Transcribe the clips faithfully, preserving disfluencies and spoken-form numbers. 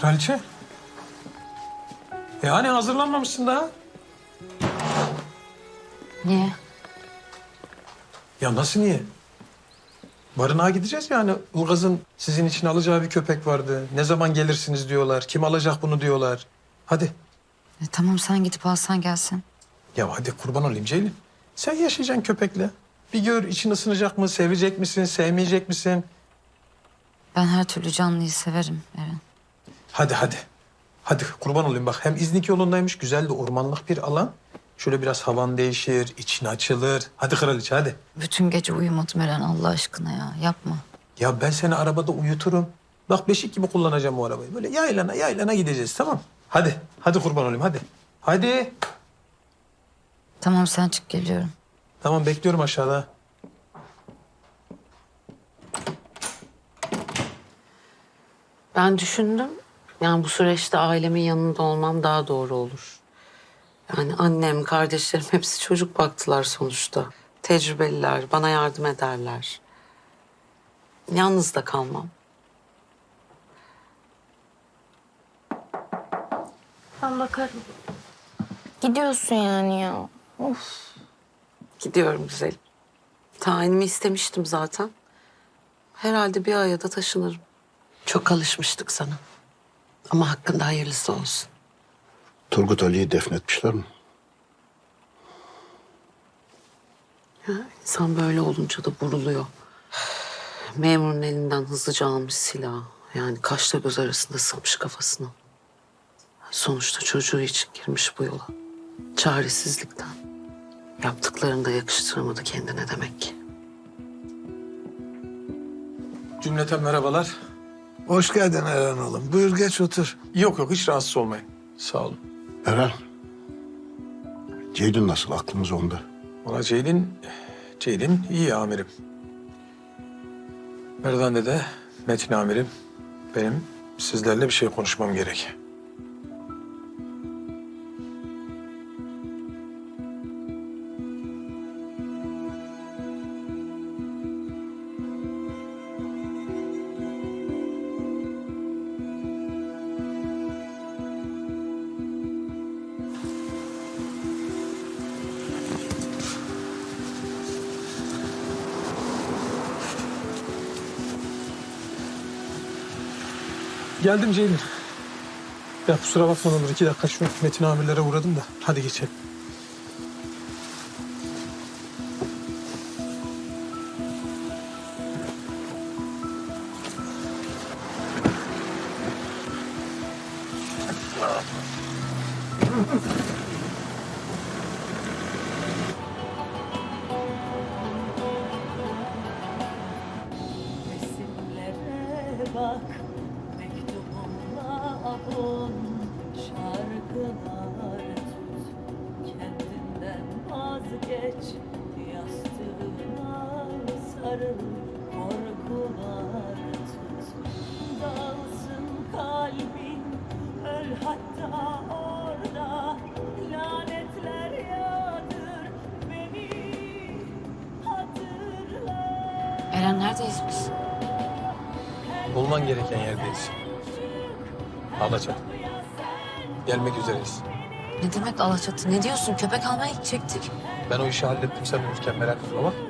Kraliçe. E hani hazırlanmamışsın daha? Niye? Ya nasıl niye? Barınağa gideceğiz yani. Ilgaz'ın sizin için alacağı bir köpek vardı. Ne zaman gelirsiniz diyorlar. Kim alacak bunu diyorlar. Hadi. E, tamam sen gidip alsan gelsin. Ya hadi kurban olayım Ceylin. Sen yaşayacaksın köpekle. Bir gör için ısınacak mı, sevecek misin, sevmeyecek misin? Ben her türlü canlıyı severim Eren. Hadi hadi. Hadi kurban olayım bak. Hem İznik yolundaymış. Güzel de ormanlık bir alan. Şöyle biraz havan değişir, için açılır. Hadi kraliçe hadi. Bütün gece uyumadım Eren Allah aşkına ya. Yapma. Ya ben seni arabada uyuturum. Bak beşik gibi kullanacağım o arabayı. Böyle yaylana yaylana gideceğiz tamam. Hadi. Hadi kurban olayım hadi. Hadi. Tamam sen çık geliyorum. Tamam bekliyorum aşağıda. Ben düşündüm. Yani bu süreçte ailemin yanında olmam daha doğru olur. Yani annem, kardeşlerim hepsi çocuk baktılar sonuçta. Tecrübeliler, bana yardım ederler. Yalnız da kalmam. Ben bakarım. Gidiyorsun yani ya. Of. Gidiyorum güzelim. Tayinimi istemiştim zaten. Herhalde bir aya da taşınırım. Çok alışmıştık sana. Ama hakkında hayırlısı olsun. Turgut Ali'yi defnetmişler mi? Ya, insan böyle olunca da buruluyor. Memurun elinden hızlıca almış silahı. Yani kaşla göz arasında sıkmış kafasına. Sonuçta çocuğu için girmiş bu yola. Çaresizlikten. Yaptıklarını da yakıştıramadı kendine demek ki. Cümleten merhabalar. Hoş geldin Eren oğlum. Buyur geç otur. Yok yok hiç rahatsız olmayın. Sağ olun. Eren. Ceylin nasıl? Aklımız onda. Valla Ceylin, Ceylin iyi amirim. Merdan'da de Metin amirim. Benim sizlerle bir şey konuşmam gerek. Geldim Ceylin. Ya kusura bakma Onur. iki dakika şu Metin amirlere uğradım da. Hadi geçelim. Resimlere bak, mektubumla avun, şarkılar tut, kendinden vazgeç, yastığına sarıl, korkular tut. Dağılsın kalbin, öl hatta orada, lanetler yağdır, beni hatırla. Eren neredeyiz biz? Olman gereken yerdeyiz. Alaçatı. Gelmek üzereyiz. Ne demek Alaçatı? Ne diyorsun? Köpek almaya gidecektik. Ben o işi hallettim sen uyurken merak etme bak.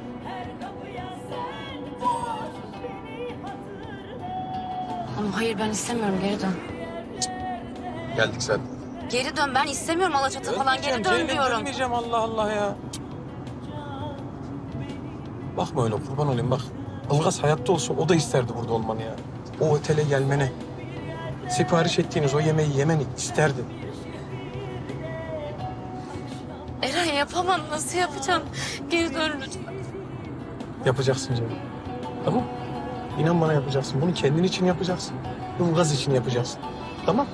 Ama hayır ben istemiyorum geri dön. Geldik zaten. Geri dön ben istemiyorum Alaçatı falan geri dön Ceylin, diyorum. dönmeyeceğim Allah Allah ya. Bakma öyle kurban olayım bak. Ilgaz hayatta olsa o da isterdi burada olmanı ya. O otele gelmeni. Sipariş ettiğiniz o yemeği yemeni isterdi. Eren yapamam nasıl yapacağım? Geri dön lütfen. Yapacaksın Ceylin. Tamam. İnan bana yapacaksın. Bunu kendin için yapacaksın. Ilgaz için yapacaksın. Tamam.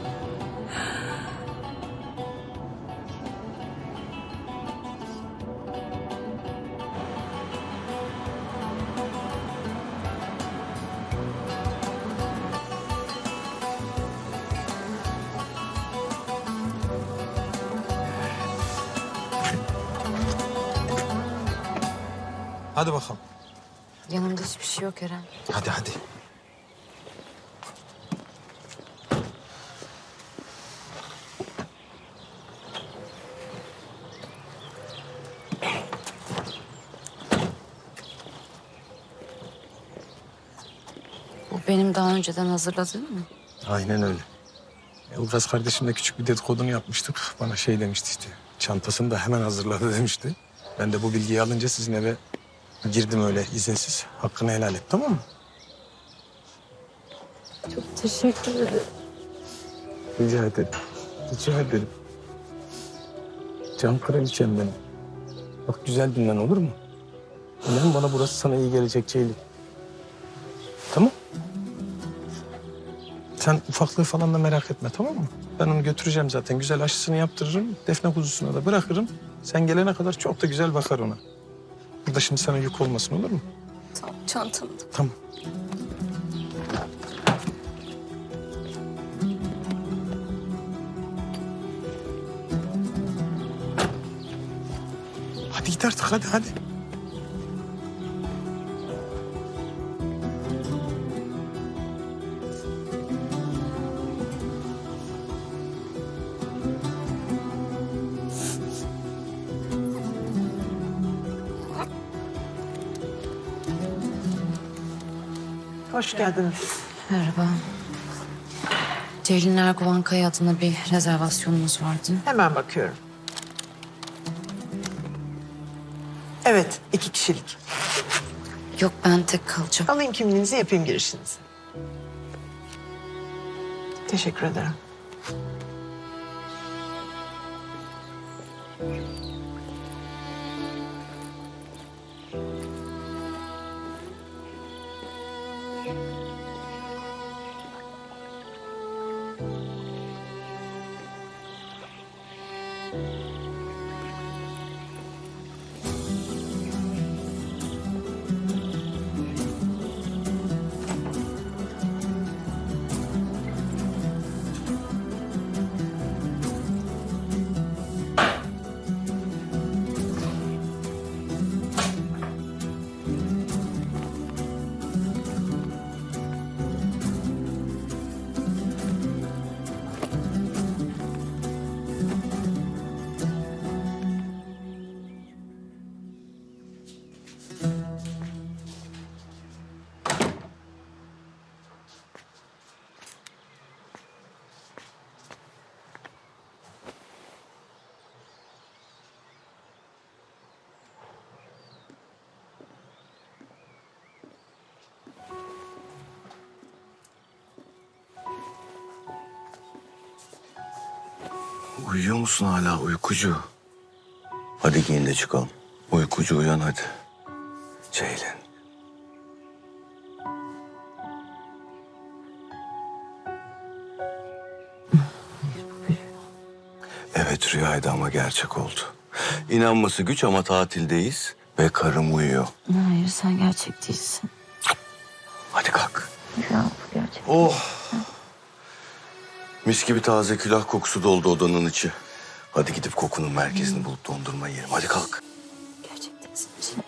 Hadi bakalım. Yanımda hiçbir şey yok Eren. Hadi hadi. Bu benim daha önceden hazırladığım mı? Aynen öyle. Ilgaz kardeşimle küçük bir dedikodunu yapmıştık. Bana şey demişti işte. Çantasını da hemen hazırladı demişti. Ben de bu bilgiyi alınca sizin eve girdim öyle izinsiz. Hakkını helal et, tamam mı? Teşekkür ederim. Rica ederim. Rica ederim. Can kraliçem benim. Bak güzel dinlen, olur mu? İnan bana, burası sana iyi gelecek Ceylin. Tamam. Sen ufaklığı falan da merak etme, tamam mı? Ben onu götüreceğim zaten. Güzel aşısını yaptırırım. Defne kuzusuna da bırakırım. Sen gelene kadar çok da güzel bakar ona. Burada şimdi sana yük olmasın, olur mu? Tamam, çantamda. Tamam. Hadi git artık, hadi hadi. Hoş geldiniz. Merhaba. Ceylin Erguvan Kaya adına bir rezervasyonumuz vardı. Hemen bakıyorum. Evet, iki kişilik. Yok, ben tek kalacağım. Alayım kimliğinizi, yapayım girişinizi. Teşekkür ederim. Uyuyor musun hala uykucu? Hadi giyin de çıkalım. Uykucu uyan hadi. Ceylin. Evet, rüyaydı ama gerçek oldu. İnanması güç ama tatildeyiz ve karım uyuyor. Hayır, sen gerçek değilsin. Hadi kalk. Ya bu gerçek. Oh. Mis gibi taze külah kokusu doldu odanın içi. Hadi gidip kokunun merkezini bulup dondurma yiyelim. Hadi kalk. Gerçek değilsin.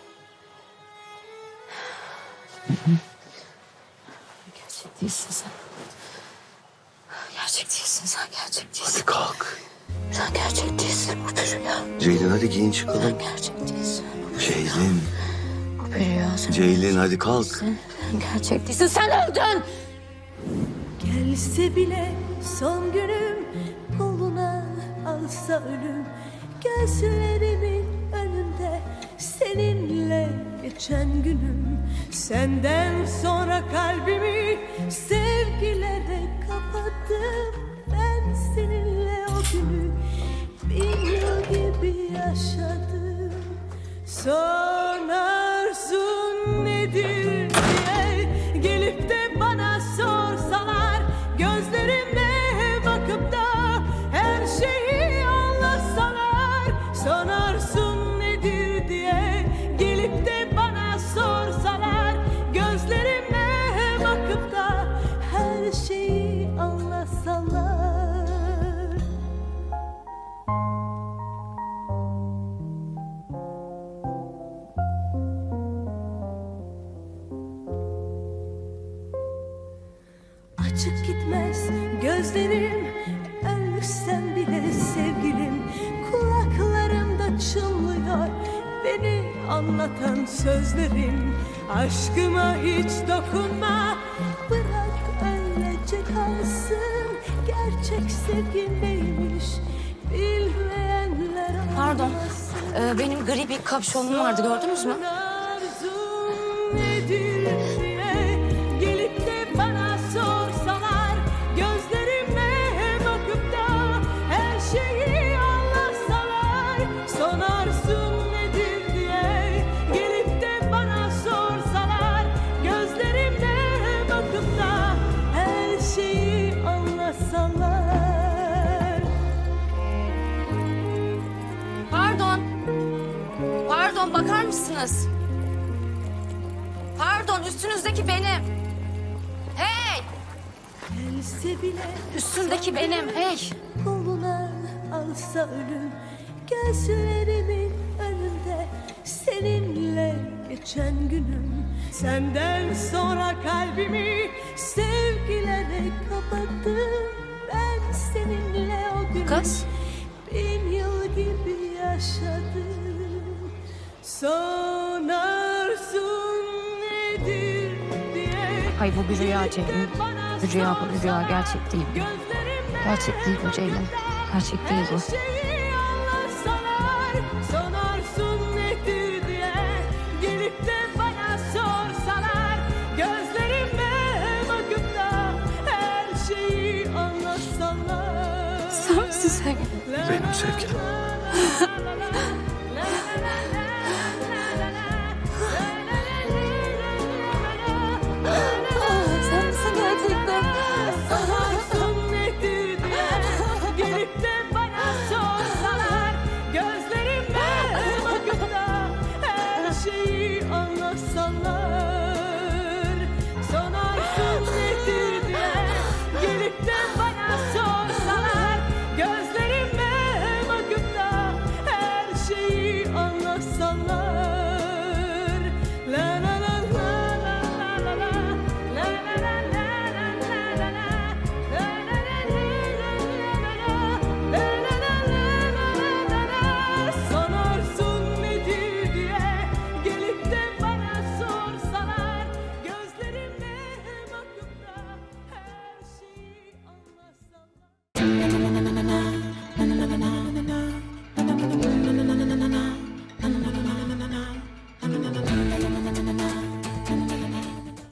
Gerçek değilsin sen. Gerçek değilsin sen, gerçek değilsin. Hadi kalk. Sen gerçek değilsin, bu bir rüya. Ceylin hadi giyin çıkalım. Sen gerçek değilsin. Ceylin. Bu bir rüya. Sen Ceylin hadi kalk. Sen, sen gerçek değilsin, sen öldün. Gelse bile son günüm, koluna alsa ölüm, gözlerimin önünde seninle geçen günüm. Senden sonra kalbimi sevgilere kapattım. Ben seninle o günü bin yıl gibi yaşadım. Son arzun nedir diye gelip de bana sorsalar, gözlerime bakıp da her şeyi anlatsalar. Son arzun nedir diye gelip de bana sorsalar, gözlerime bakıp da her şeyi anlatsalar. Açık gitmez gözlerim, ölsem bile sevgilim. Kulaklarımda çınlıyor beni anlatan sözlerim. Aşkıma hiç dokunma, bırak sevgin neymiş bilmeyenler Pardon. anlasın. Ee, benim gri bir kapşonum vardı, gördünüz mü? Arzun nedir diye gelip de bana sorsalar, gözlerime bakıp da her şeyi anlatsalar. Son arzun nedir diye gelip de bana sorsalar, gözlerime bakıp da her şeyi anlatsalar. Pardon. Pardon, bakar mısınız? Pardon, üstünüzdeki benim. Hey! Gelse bile Üstündeki benim, hey! koluna alsa ölüm, gözlerimin önünde seninle geçen günüm. Senden sonra kalbimi sevgilere kapattım. Ben seninle o gün Kız. bin yıl gibi yaşadım. Son arzun nedir diye Hayır, bu bir rüya Ceylin. Bir rüya bu, bir rüya, gerçek değil bu. Gerçek değil bu Ceylin. Gerçek değil bu. Son arzun nedir diye gelip de bana sorsalar, gözlerime bakıp da her şeyi anlatsalar. Sen misin sevgilim? Benim sevgilim. Sen misin gerçekten? Sanarsın nedir diye gelip de bana sorsalar, gözlerime bakıp da her şeyi anlatsalar. Sanarsın nedir diye gelip de bana sorsalar, gözlerime bakıp da her şeyi anlatsalar. La la la la la la la la. Sanarsın nedir diye gelip de bana sorsalar, gözlerime bakıp da her şeyi anlatsalar.